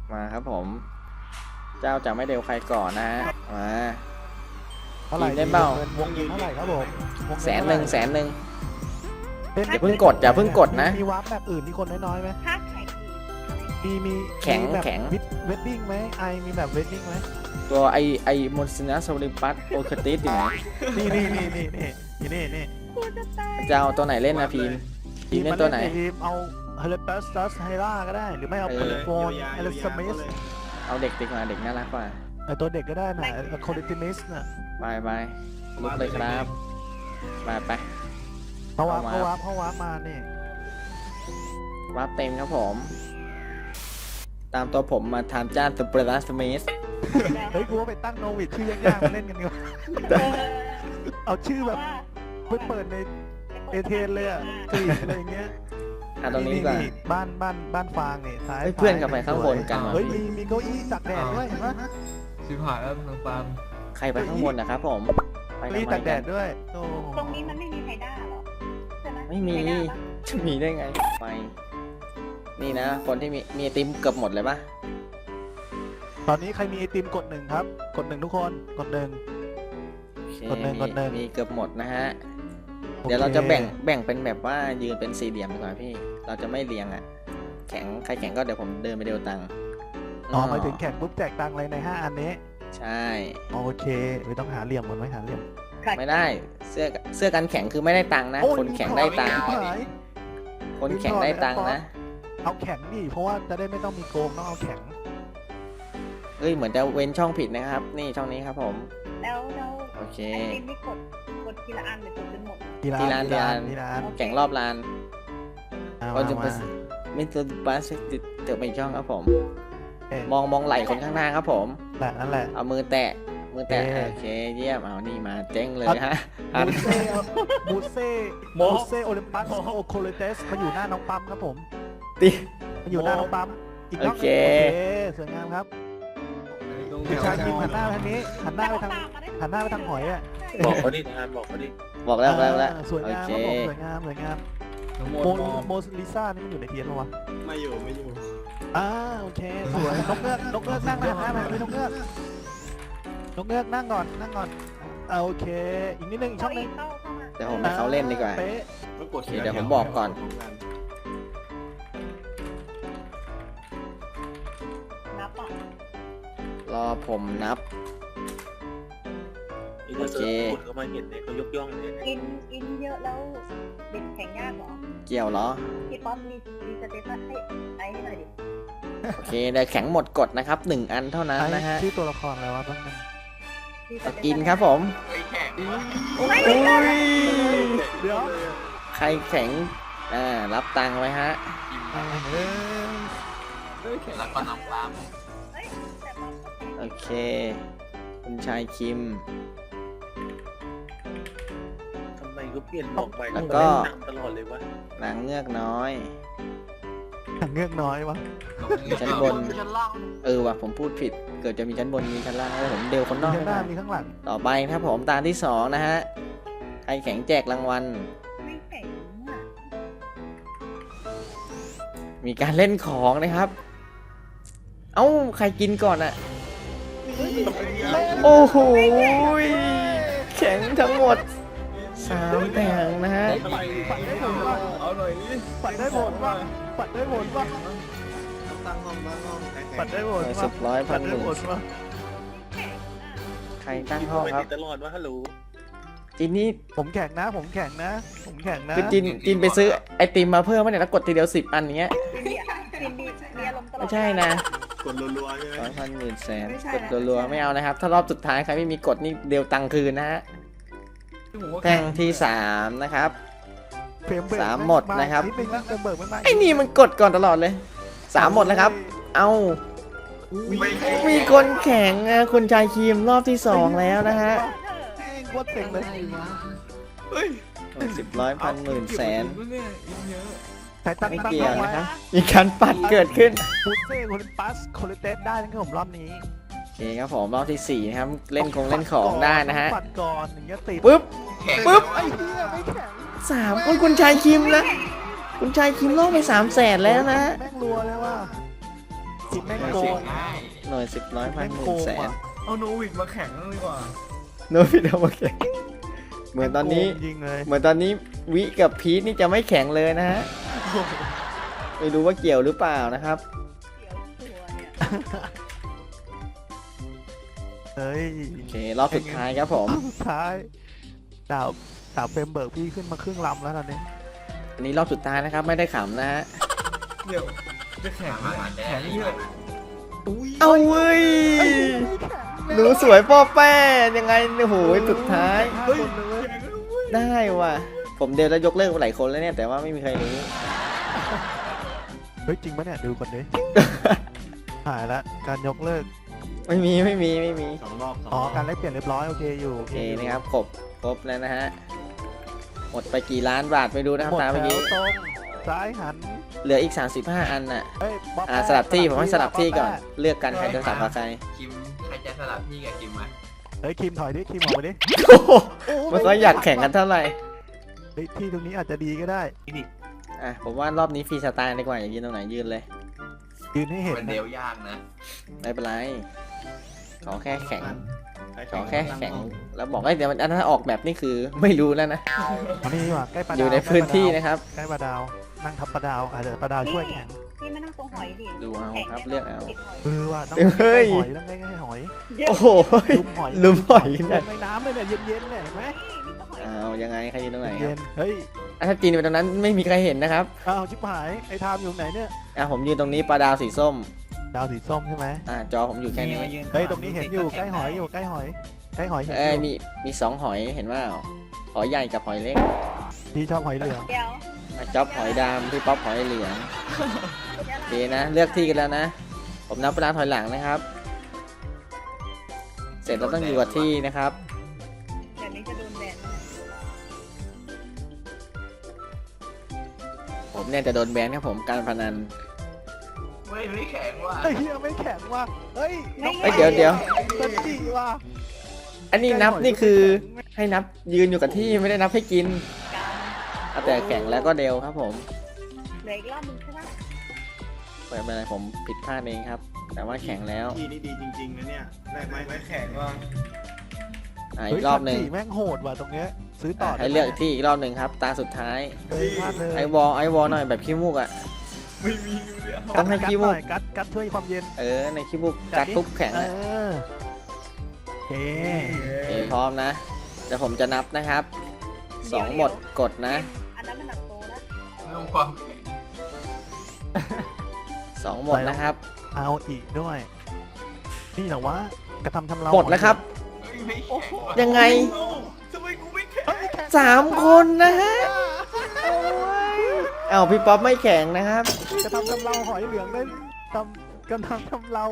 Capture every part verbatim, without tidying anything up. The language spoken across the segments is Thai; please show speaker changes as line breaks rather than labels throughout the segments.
มาครับผม เจ้าจะไม่เร็วใครก่อนนะฮะมา
เท่าไหร่
ได้เปล่า
เงินวงเงินเท่าไหร่ครับผมวงเงิ
แสนหนึ่งแสนหนึ่ง
เป็น
อย่าเพิ่งกดอย่าเพิ่งกดนะ
มีมีวาร์ปแบบอื่นที่คนน้อยๆไหม
ถ้าแข็ง
มีมี
แข็ง
มีแบบ
แข็ง
เวดดิ้งไหมไอมีแบบเวดดิ้งไหม
ตัวไอไอมอนซินัสโซลิปัสโอคติสอยู่ไหน
นี่นี่นี่นี่นี่นี่นี่นี่
กูจะตาย
จะเอาตัวไหนเล่นนะพีมพีมเล่นตัวไหน
ทีมเอาเฮเลปัสตัสไฮล่าก็ได้หรือไม่เอา
เอ
เพ
อ
ลโฟนเอลสมิส
เอาเด็กดีกว่าเด็กน่ารักกว่า
ไอตัวเด็กก็ได้นะโคลิติมิสน่ะ
ไปไปลุกเลยครับไปไป
เขาวาร์ป
เอา
เขา
มา
วาร์ปเขาวาร์ปมานี่
รับเต็มครับผม ตามตัวผมมาทำจ้านสเปรดัสมิส
เฮ้ยกูว่าไปตั้งโนวิดชื่อยากๆมาเล่นกันดีกว่าเอาชื่อแบบไปเปิดในเอเทนเลยอ่ะกรีดอะไรอย่างเงี้ย
อ่ะตรงนี้ดีกว่า
บ้านบ้านบ้านฟางนี่ซ้าย
เฮ้ยเพื่อนกลับไปข้างบนกันว่ะ
เฮ้ยมีมีเก้าอี้ตักแดดด้วยเห็นปะ
ชิบหายแล้วทางฟาร์ม
ใครไปข้างบนนะครับผม ไป
เก้า
ทำ
อี้
ไม
ตักแด
กั
ด
น
ด้วยโอ้
ตรงนี้มันไม่มีไฮด้าหรอใช่ไหม
ไม่มี
ฮด้าปะ
จะมีได้ไงไป นี่นะ คนที่มีมีไอติมเกือบหมดเลยปะ
ตอนนี้ใครมีไอติมกดหนึ่งครับ กดหนึ่งทุกคนกดหนึ่ง
โอเค
กดหนึ่ง
มี
กดหนึ่ง
มีเกือบหมดนะฮะ
โอค
เดี๋ยวเราจะแบ่งแบ่งเป็นแบบว่ายืนเป็นสี่เหลี่ยมดีกว่าพี่ เราจะไม่เรียงอ่ะ แข็งใครแข็งก็เดี๋ยวผมเดินไปเดียวตังค์
อ๋อหมายถึงแข่งปุ๊บแจกตังค์เลยในห้าอันนี้
ใช่
โอเคไม่ต้องหาเหลี่ยมก่อนไหมหาเหลี่ยม
ไม่ได้ เสื้อเสื้อกันแข็งคือไม่ได้ตังค์นะ
โอ้ย
คนแข็งได้ตังค์
หาย
คนแข็งได้ตังค์นะ
เอาแข็งดิเพราะว่าจะได้ไม่ต้องมีโกงต้องเอาแข็ง
เอ้ยเหมือนจะเว้นช่องผิดนะครับ นี่ช่องนี้ครับผม
แล้วแล้ว
โอเค
ไอติมนี่กดกดทีละอันหรือกดจนหมด
ทีละ
ทีละอัน
ทีละอัน
ที
ที
ละ
ละ
อั
อั
น
น
แข่งรอบลาน
เอา
ก็จะ
มา
เป็น มิสเตอร์บัสติดเติมไปอีกช่องครับผม
เอ๊ะ
มองมองไหล่คนข้างหน้าครับผม
แหละนั่นแหละ
เอามือแตะ มือแตะ
เอ๊ะ
โอเคเยี่ยม เอานี่มาเจ๊งเลยฮะ
บูเซ่บูเซ่บูเซ่โอลิมปัสโอโคเลเตสมาอยู่หน้าน้องปั๊มครับผม
ติ
มาอยู่หน้าน้องปั๊มอีกรอบหนึ่ง
โอเค
โอเคสวยงามครับคุณชายคิมหันหน้าไปทางนี้หันหน้าไปทางหันหน้าไปทางหอยอ่ะ
บอกเขาดิทานบอกเขาดิ
บอกแล้วแล้วแล้ว
อ่าสวย
โอง
าม
เค
ครับผมสวยงามสวยงาม
ทั้งหม
โม
ด
โมลิซ่านี่มันอยู่ในเทียนปะวะ
ไม่อยู่ไม่อยู่
อ่าโอเคสวยนกเงือกนกเงือกนั่งนะฮะแบบนี้นกเงือกนกเงือกนั่งก่อนนั่งก่อนอ่าโอเค อีกนิดนึงอีกช่องนึง
เข้าเข้ามา
เดี๋ยวผมให้เขาเล่นดีกว่า
เป๊ะ
ก็กด
โอเคเดี๋ยวผมบอกก่อน
นับอ่ะ
รอผมนับ
โอเคคนเขามาเห็นเนี่ยเขายกย่องเลย
กินกินเยอะแล้วเด็กแข็งยากเหรอ
เกี่ยวเหรอ
พี่ป๊อปมีมีสเตตัสให้ไอ้ให้หน่อยดิ
โอเคเดี๋ยวแข็งหมดกดนะครับหนึ่งอันเท่านั้น
ไอ้
นะฮะ
ชื่อตัวละครอะไรวะแป๊บนึง
มีส
เอา
เตตัส
กินครับผม
ไม่ไม่ได้
เดี๋ยว
ใครแข็ง อ่า รับตังค์ไว้ฮะ
เออ
แล้วก็น้ำฟาร์ม
เฮ้ยแต่ป๊อปก็แข็ง
โอเค คุณชายคิม
ทำไมก็เปลี่ยนบอกไป
แล้วก็
หนังตลอดเลยวะ
นางเงือกน้อย
เงือกน้อยวะ
ชั้นบน เออว่ะผมพูดผิด เกิดจะมีชั้นบนมีชั้นล่างแล้วผมเดวคนนอก
มี
ให้
ข้างหน้า
มา
มีข้างหลัง
ต่อไปครับผมตาที่สองนะฮะ ใครแข็งแจกรางวัล
ไม่แข็งอ่ะ
มีการเล่นของนะครับ เอ้า ใครกินก่อนอะโอ้โหยแข็งทั้งหมดสามแผงนะฮะ
ปัดได้ผลวะ
เอาหน่อยนี่
ปัดได้ผลวะปัดได้ผลวะ
ตั้งห้องตั้งห้อง
ปัดได้ผล
สิ
วะ
บร้อยพั
ปั
น
ด
ห
ได้
มื่น
ผลวะ
แข็งอ่ะ
ใครตั้งห้
ห้
อ
อง ง
ครับ
ติดตลอดว่าฮัลโหล
จินนี่
ผมแข็งนะ ผมแข็งนะ ผมแข็งนะ
คือจินจินไปซื้อไอติมมาเพิ่มมาเนี่ยแล้วกดทีเดียวสิบอันอย่างเงี้ย
กินดีกินดีมีอารมณ์ตลอด
ไม่ใช่นะ
กดรัวๆใช่ไหม
ร้อยพันหมื่นแสนกดรัวๆไม่เอานะครับ ถ้ารอบสุดท้ายใครไม่มีกดนี่เดียวตังค์คืนนะฮะแท่งที่สามนะครับ
เฟรมเบิก
สามหมดนะครับ
นิดนึงแล้วเฟรมเบิกไม่มา
ไอ้นี่มันกดก่อนตลอดเลยสามหมดแล้วครับ เอามีคนแข่งอะคุณชายครีมรอบที่สองแล้วนะฮะ
แม่งโคตรเต็งเลย
สิบร้อยพันหมื่นแสน
ใช้ตั้ง
ไม่
ตั้ง
เกี่ยว
ไว้
นะครับมีการปัดเกิดขึ้น
บูเซ่โคลิปัสโคลิเตสได้นะครับผมรอบนี้
โอเคครับผมรอบที่สี่นะครับเล่นคงเล่นของได้นะฮะ
ปัดก่อนอย่างเงี้ยติด
ปึ๊บปึ๊บ
ไอ้เหี้ยไม่แข็ง
สามคนคุณชายคิมนะคุณชายคิมล่อไปสามแสนแล้วนะ
แม่งรัวเลยว่ะคิมแม่งโกง
ง่าย
หน่วยสิบร้อยพัน
แม่ง
หมื่
โก
น
ง
แสน
ว่ะ
เอาโนวิดมาแข่งนั่นดีกว่า
โนบิเอามาแข่งเหมือนตอนนี้
โกงจริงเลย
เหมือนตอนนี้วิกับพีทนี่จะไม่แข็งเลยนะฮะไม่รู้ว่าเกี่ยวหรือเปล่านะครับ
เดี๋ยวตัวเนี่ย
เฮ้ย
โอเครอบสุดท้ายครับผม
สุดท้ายดาวดาวเฟรมเบิร์กพี่ขึ้นมาครึ่งลำแล้วตอนนี้
อันนี้รอบสุดท้ายนะครับ ไม่ได้ขำนะฮะ
เดี๋ยวจะแข่งเนี่ยแข่งเนี่ยอุ้ย
เอาเว้ยหนูสวยป้อแป้ยังไงโอ้โหสุดท้าย
เฮ้ยเลย
ได้ว่ะผมเดวแล้วยกเลิกหลายคนแล้วเนี่ยแต่ว่าไม่มีใครรู้
เฮ้ยจริงปะเนี่ยดูก่อนดิ หายละการยกเลิก
ไม่มีไม่มีไม่มี
สองรอบสอง
อ๋อ
รอบ
การแลกเปลี่ยนเรียบร้อยโอเคอยู่
โอเคนะครับครบครบแล้วนะฮะหมดไปกี่ล้านบาทไปดูนะครับ
หมด
ตาม
แถ
เมื่อ
ว
กี้
ตรงซ้ายหัน
เหลืออีกสามสิบห้าอันน่ะ
เฮ้ยบ๊อบ
อ่า
แป้
สลับที่ผมให้สลับที่ก่อน
บ๊บแป้
เลือกกันใครจะสลับกับใคร
คิมใครจะสลับพี่กับคิมมา
เฮ้ยคิมถอยดิคิมออกมาดิ
โอ้โหไม่ค่อยอยากแข่งกันเท่าไหร่
เฮ้ยที่ตรงนี้อาจจะดีก็ได้
อ่ะผมว่ารอบนี้ฟรีสไตล์ดีกว่าอย่ายืนตรงไหนยืนเลย
ยืนให้เห็น
เป็น
นะ
เดวยากนะ
ไม่เป็นไรขอแค่แข่ง
ใคร
ขอแค่แข่งแล้วบอกว่าเดี๋ยวมันอันนั้นออกแบบนี่คือไม่รู้แล้วนะ
อันนี้ดีกว่าใกล้ปลาดาว
อยู่ในพื้นที่นะครับ
ใกล้ปลาดาวนั่งทับปลาดาวอาจจะปลาดาวช่วยแข่ง
พี่ไม่นั่งตรงหอยดิ
ดูเอาครับเลือกเอา
ติดหอย
เออว่ะต้อง
เฮ้ย
หอยต้องใกล้ๆหอย
เยอะ
โอ้โห
ลุมหอย
ลุมหอย
ล
เนี่ย
งในน้ำเลยเนี่ยเย็นๆเนี่ยเห็นไหม
นี่ก็หอย
เอายังไงใครยืนตรงไหนค
เย็
รับ
นเฮ้ย
อ่ะถ้าจีนไปตรงนั้นไม่มีใครเห็นนะครับ
อ้าวชิบหายไอ้ทามอยู่ไหนเนี่ย
อ่ะผมยืนตรงนี้ปลาดาวสีส้ม
ดาวสีส้มใช่ไหม
อ่ะจอผมอยู่แค่นี้
เฮ้ยตรงนี้เห็นอยู่ใกล้หอยอยู่ใกล้หอยใกล้หอยเห็นอ
เอ้ย
ยู่
มีมีสองหอยเห็นว่าหอยใหญ่กับหอยเล็ก
พี่ชอบหอยเหลือง
เดี๋ยว
อ่ะจ๊อบหอยดำพี่ป๊อปหอยเหลือง
เดี๋ยว
โอเคนะเลือกที่กันแล้วนะ ผมนับเวลาถอยหลังนะครับ เสร็จเราต้องอยู่กับที่นะครับ
เดี๋ยวนี้จะโดนแบนแล้ว
ผมเนี่ยจะโดนแบนครับผมการพนัน
ไม่ไม่แข่งว่ะ
เฮ้ยเหี้ยไม่แข็งว่ะเฮ้ย
เฮ้ยเดี๋ยวเดี๋ยว
สันติว่ะ
อันนี้นับนี่คือให้นับยืนอยู่กับที่ไม่ได้นับให้กิน
กลาง
เอาแต่แข่งแล้วก็เดวครับผม
เหลืออีกรอบนึงใช่ไหม
ไม่เป็นไรผมผิดพลาดเองครับ แต่ว่าแข่งแล้ว
ที่นี่ดีจริงๆนะเนี่ยได้ไหม
ไม่แข่งว่ะ
อ่ะ
เฮ้
อี
ย
กรอบหนึ่ง
สัติแม่งโหดว่ะตรงเนี้ยซื้อต่อ
อ่ะให้เลือกที่อีกรอบหนึ่งครับ ตาสุดท้าย
เฮ้ยพลาดเลย
ไอวอลไอวอลหน่อยแบบขี้มูกอ่ะ
ไม่มีอยู่เดียว
ต้องให้
กัด
ขี้มูก
หน่อยกัดกัดช่วยความเย็น
เออในขี้มูกกัดทุบแข็ง
เอ
อ่ะ
อโอเค
โอเคพร้อมนะเดี๋ยวผมจะนับนะครับสองหมดกดนะ
อันนั้นมันหนักโตแล้ว
เรื่องความแข่ง
สองหมดนะครับ
เอาอีกด้วย นี่เหรอวะกระทำทำเรา
หมดแล้วครับ
เฮ้ยไม่แข่งว่ะ
ยังไง
โอ้ทำไมกูไม่แข่ง
เฮ้ยแข่ง
สามคนนะฮะเอาพี่ป๊อปไม่แข่งนะครับ
กระทำทำเราหอยเหลืองได้ทำกระทำทำเรา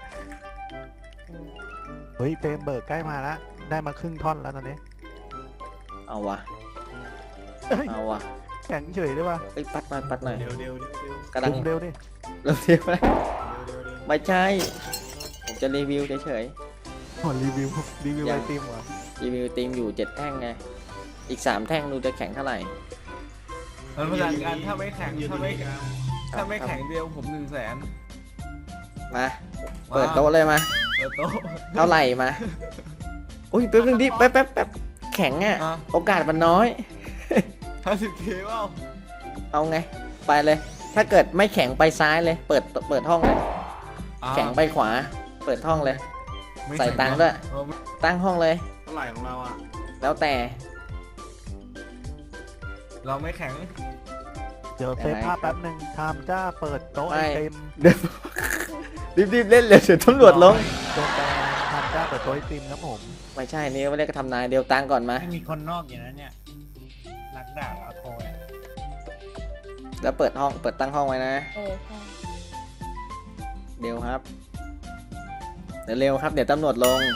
เฮ้ยเฟรมเบิร์กใกล้มาแล้วได้มาครึ่งท่อนแล้วตอนนี้
เอาวะ
เฮ้ย
เอาวะ
แข็งเฉยด้วยวะ
เอ้ยปัดหน่อยปัดหน่อย
เดี๋ยวเดี๋ยวเดี๋ยวเดี๋ยว
กำลัง
ซูมเร็วดิ
เริ่มเทียบแล้ว
เดี๋ยวเดี๋ยว
ไม่ใช่ ผมจะรีวิวเฉย
โอ้รีวิวรีวิวไอติมเหรอ
ๆรีวิวทีมอยู่เจ็ดแท่งไงอีกสามแท่งดูจะแข่งเท่าไหร่
มันพลังกันถ้าไม่แข่งถ้าไม่ถ้าไม่แข่งเดียวผมหนึ่งแสน
มาเปิดโต๊ะเลยมา
เปิดโต๊ะ
เท่าไหร่มาอุ้ยแป๊บนึงดิแป๊บแป๊บแป๊บแข็งอ่ะ
อ่ะ
โอกาสมันน้อย
ห้าสิบเคเปล่า
เอาไง ไปเลย ถ้าเกิดไม่แข็งไปซ้ายเลย เปิดเปิดห้องเลย
อ่ะ
แข็งไปขวา เปิดห้องเลย
ไม่
ใส่
แข่
ตังค์ด้วย
เออไม่
ตั้งห้องเลย
เท่าไหร่ของเราอ่ะ
แล้วแต่
เราไม่แข่ง
เดี๋ยวเซฟภาพแป๊บหนึ่งทำจ้าเปิดโต๊ะไอ
ไม่
ติม
เดี๋ยวรีบๆเล่นเลยเดี๋ยวตำรวจลง
โดนแบนทำจ้าเปิดโต๊ะไอติมครับผม
ไม่ใช่นี่ไม่ได้กระทำนายเดียวตังค์ก่อนมา
ไม่มีคนนอกอย่างนั้นเนี่ยรักดาบอาโคเนี่ย
แล้วเปิดห้องเปิดตั้งห้องไว้นะ
เออใช่
เดี๋ยวครับ เดี๋ยวเร็วครับ เดี๋ยวตำรวจลง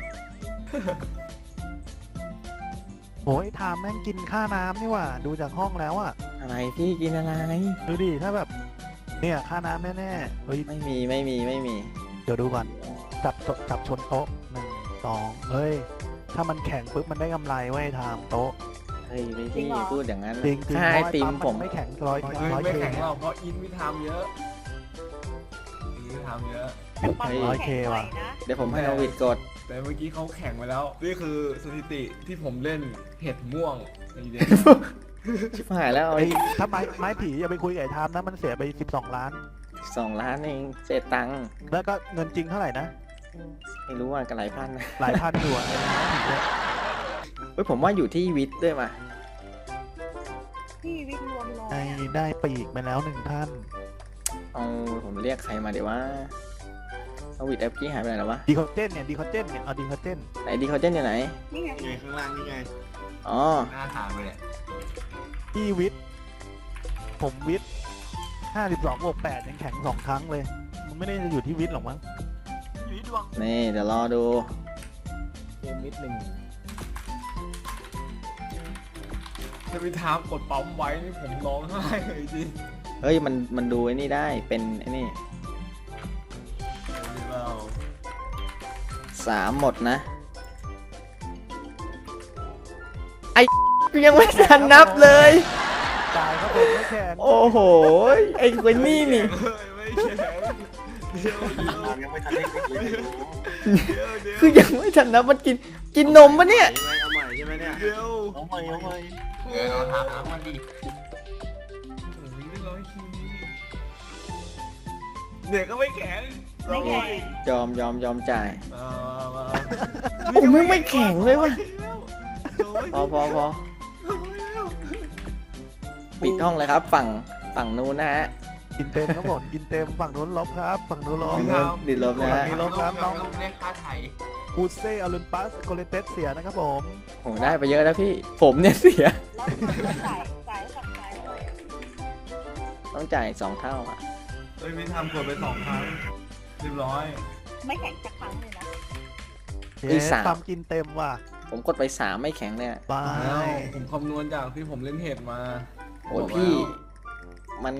โอ้ยทามแม่งกินค่าน้ำนี่หว่า ดูจากห้องแล้วอะ
อะไรพี่กินอะไร
ดูดิถ้าแบบ เนี่ยค่าน้ำแน่ๆเฮ้ย
ไม่มีไม่มีไม่มี
เดี๋ยวดูก่อน จับโต๊ะจับชนโต๊ะหนึ่งสองเฮ้ย ถ้ามันแข็งปุ๊บมันได้กำไรไว้ยทามโต๊ะ
เฮ้ยไม่พี่พูดอย่างนั้น
จริงจริง
ค่าไอติมผม
ไม่แข็งร้อย
เฮ้ย
ร้อย
ไม่
เค
แข่งหรอกเพราะอินวิทามเยอะอินวิททำเยอะ
แต่ปั๊ม
เฮ้ย
น้ำแข็งหน่อยนะ
เดี๋ยวผมให้โนวิดกด
แต่เมื่อกี้เขาแข่งมาแล้วนี่คือสถิติที่ผมเล่นเห็ดม่วงในเด็ก
ชิบหายแล้ว
ไอ้ถ้าไม้ไม้ผีอย่าไปคุยกับไอ้ทามนะมันเสียไปสิบสองล้าน
สองล้านเองเศษตังค์
แล้วก็เงินจริงเท่าไหร่นะ
ไม่รู้ว่ากันหลายพันนะ
หลายพันอยู่อะไอ้ไม้ผีเนี่ย
เฮ้ยผมว่าอยู่ที่วิทย์ด้วยมา
พี่วิทย์รวมร้อย
ไอ้
อะ
ได้ปีกมาแล้วหนึ่งท่าน
เอาผมเรียกใครมาเดี๋ยวว่าโนวิดแอปกี้หายไปไหนแล้ววะ
ดีคอเจนเนี่ยดีคอเจนเนี่ยเอาดีคอเจน
ไหนดีเขาเจนอยู่ไหน
นี่ไง
นี่ไงข้างล่างนี่ไง
อ๋อ
หน้าทางไปเลย
พี่วิทย์ผมวิทย์ห้าสิบสองบวกแปดยังแข็งสองครั้งเลย มันไม่ได้จะอยู่ที่วิทย์หรอกมั้งอยู่ที่ดวง
นี่เดี๋ยวรอดู
เกมมิดหนึ่ง
ถ้าพี่ทามกดปั๊มไว้นี่ผมร้องไห้เลยจริง
เฮ้ยมันมันดูไอ้นี่ได้เป็นไอ้นี่
เรา
สามหมดนะไอ้ยังไม่ทันนับเลย
จ่ายครับผมไม่แข็ง
โอ้โหไอ้คนนี่นี่
เฮ้ยไม่แข็งเดี๋ยวเดี๋ยว
ยังไม่ทันได้กินเลย
เดี๋ยวเดี๋ยว
คือยังไม่ทันนับมันกินกินนมปะเนี่ย
เอาใหม่ใช่ไหมเนี่ย
เดี๋ยว
เอาใหม่เอาใหม่
เออเอาทำน้ำมันดิ
โอ้ยได้ร้อยทีเด็กก็ไม่แข็ง
ไม่แข็ง
ยอมยอมยอมจ่าย
มามา
โอ้ไม่ไม่แข็งเลยว่ะพอพอพอปิดห้องเลยครับ ฝั่งฝั่งนู้นนะฮะ
กินเต็มครับผมกินเต็มฝั่งนู้นลบครับฝั่งนู้นลบ
ฝั่งนู้นดิดลบนะฮะ
มีลบครับน้อง
เรียกค่าไถ่
คูเซ่อลูนปัสโกเลเตสเสียนะครับผม
โหได้ไปเยอะแล้วพี่ ผมเนี่ยเสีย
แล้วมันจ่ายจ่ายฝั่งซ้ายเท่าไหร่อะ
ต้องจ่ายสองเท่าอ่ะ
เฮ้ยไม่ทำกดไปสองครั้งเรียบร้อย
ไม่แข็งสักครั้งเลยนะ
อีกสาม
ปั๊มกินเต็มว่ะ
ผมกดไปสามไม่แข็งเนี่ย
บา
แล้ว
ย
ผมคำนวณจากที่ผมเล่นเห็ดมา
โอ้ยพี่ มัน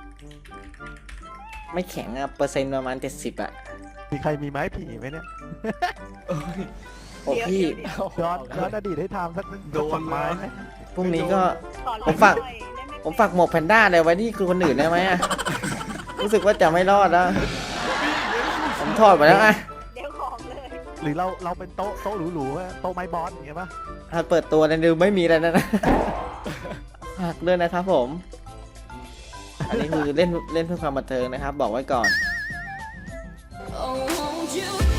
ไม่แข็งอะเปอร์เซ็นต์ประมาณเจ็ดสิบอะ
มีใครมีไม้ผีไหมเนี่ย
เอ้ย
โอ้
เดี๋ยว
พี่
เดี๋ยวเดี๋ยว
ย้อนย้อนอดีตให้ทำสัก
โดน
สักไม้ไหม
พรุ่งนี้ก็
ขอล
ผมฝาก
หน่อยได้ไห
ผมฝากหมวกแพนด้าเลยไว้ที่คือคนอื่นได้ไหมอะรู้สึกว่าจะไม่รอดแล้ว ผมถอดไปแล้วอะ
เดี๋ยวของเลย
หรือเราเราเป็นโต๊ะโต๊ะหรูๆอะโต๊ะไม้บอสอย่างเงี้ยป่ะ
ถ้าเปิดตัวในดูไม่มีอะไรนะนะหักด้วยนะครับผม อันนี้คือเล่นเล่นเพื่อความบันเทิงนะครับ บอกไว้ก่อน
Oh, won't you